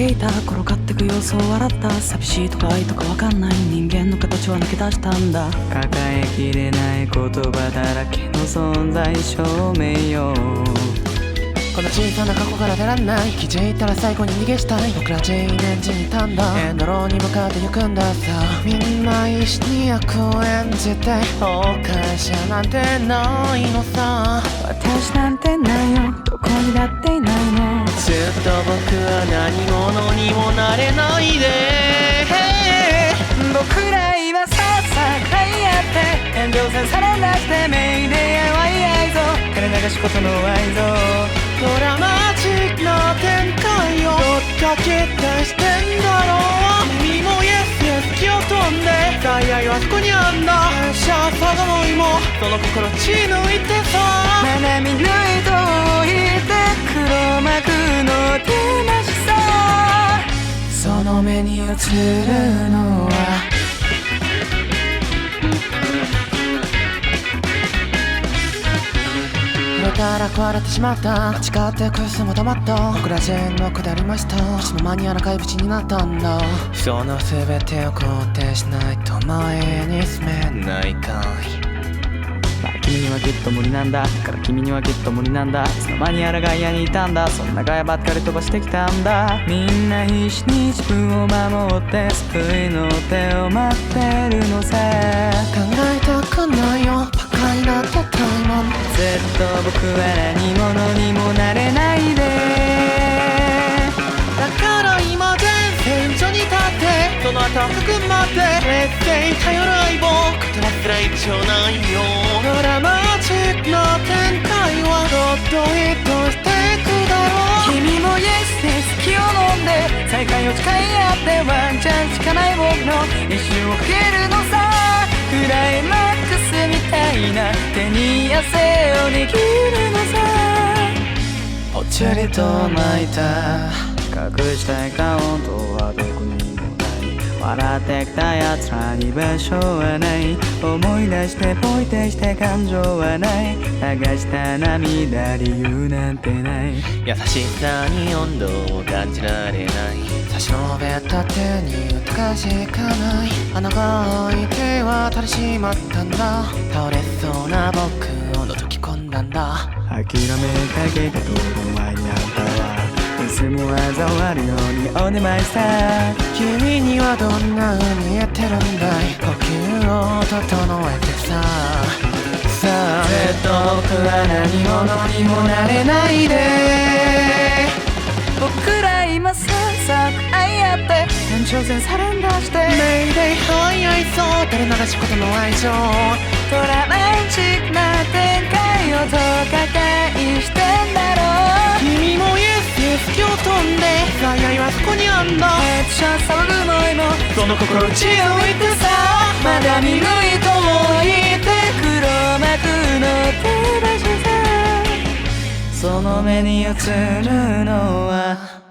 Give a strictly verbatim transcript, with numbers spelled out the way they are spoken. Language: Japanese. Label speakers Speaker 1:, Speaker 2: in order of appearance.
Speaker 1: けいた転がってく様子を笑った。寂しいとか愛とかわかんない人間の形は抜け出したんだ。
Speaker 2: 抱えきれない言葉だらけの存在証明よ。
Speaker 3: この小さな過去から出らんない。気づいたら最後に逃げしたい。僕ら全員演じにいたんだ。エンドローに向かって行くんださ。みんな一緒に役を演じて後悔者なんてないのさ。
Speaker 1: 私なんてないよ、どこにだっていないの。
Speaker 3: ずっと僕は何者にもなれないで。
Speaker 1: 僕ら今さっさくらいやって炎上線されなくてメイデーやワイアイぞ。金流しことの愛ぞ。
Speaker 3: ドラマチックな展開をどっか期待してんだろう。君もイエスイエス気を飛んで最愛はそこにあんだ。シャーサガモイもその心血抜いてさ。
Speaker 1: まなみ抜いと置いて黒幕の手なしさ。その目に映るのは
Speaker 3: たら壊れてしまった。誓ってくすも止まった。僕ら全員の下りました。いつの間にやらかい淵になったんだ。その全てを肯定しないと前に進めないかい。
Speaker 2: まあ君にはきっと無理なんだから君にはきっと無理なんだ。いつの間にやらガイアにいたんだ。そんなガヤばっかり飛ばしてきたんだ。みんな必死に自分を守って救いの手を待ってるのさ。
Speaker 3: 考えたくないよバカになってたいもん。
Speaker 2: ずっと僕は何者にもなれないで。
Speaker 3: だから今前線所に立ってその後含まって劣勢に頼る相棒。言葉すら一応ないよ。ドラマチックな展開はどっとヒットしてくだろう。
Speaker 1: 君もイエスで好きを飲んで再会を誓い合ってワンチャンしかない僕の一瞬をかけるのさ。クライマックスみたいな手に汗を握るのさ。
Speaker 2: ぽっちゃりと泣いた隠したい顔とはどこにもない。笑ってきた奴らに場所はない。思い出してポイてして感情はない。流した涙理由なんてない。
Speaker 3: 優しさに温度を感じられない。差し伸べた手に疑いしかない。穴が開いて渡りしまったんだ。倒れそうな僕を覗き込んだんだ。
Speaker 2: 諦めかけた頃前にあんたはいつも嘲笑るようにおねまいさ。
Speaker 3: 君にはどんな風に見えてるんだい。呼吸を整えてさ。さあずっと僕は何者にもなれないで。
Speaker 1: 僕ら今さっさく愛やって延長線されんだして
Speaker 3: メイデイハイアイソー垂れ流しことの愛情。
Speaker 1: ドラマチックな展開をどうか返してんだろう。
Speaker 3: 君もイエスイエス気を飛んで最愛はそこにあんだ。
Speaker 1: めっちゃ騒ぐのいも
Speaker 3: その心血を抜いてさ。
Speaker 1: まだ見抜いと置いて黒幕の手出しさ。
Speaker 2: その目に映るのは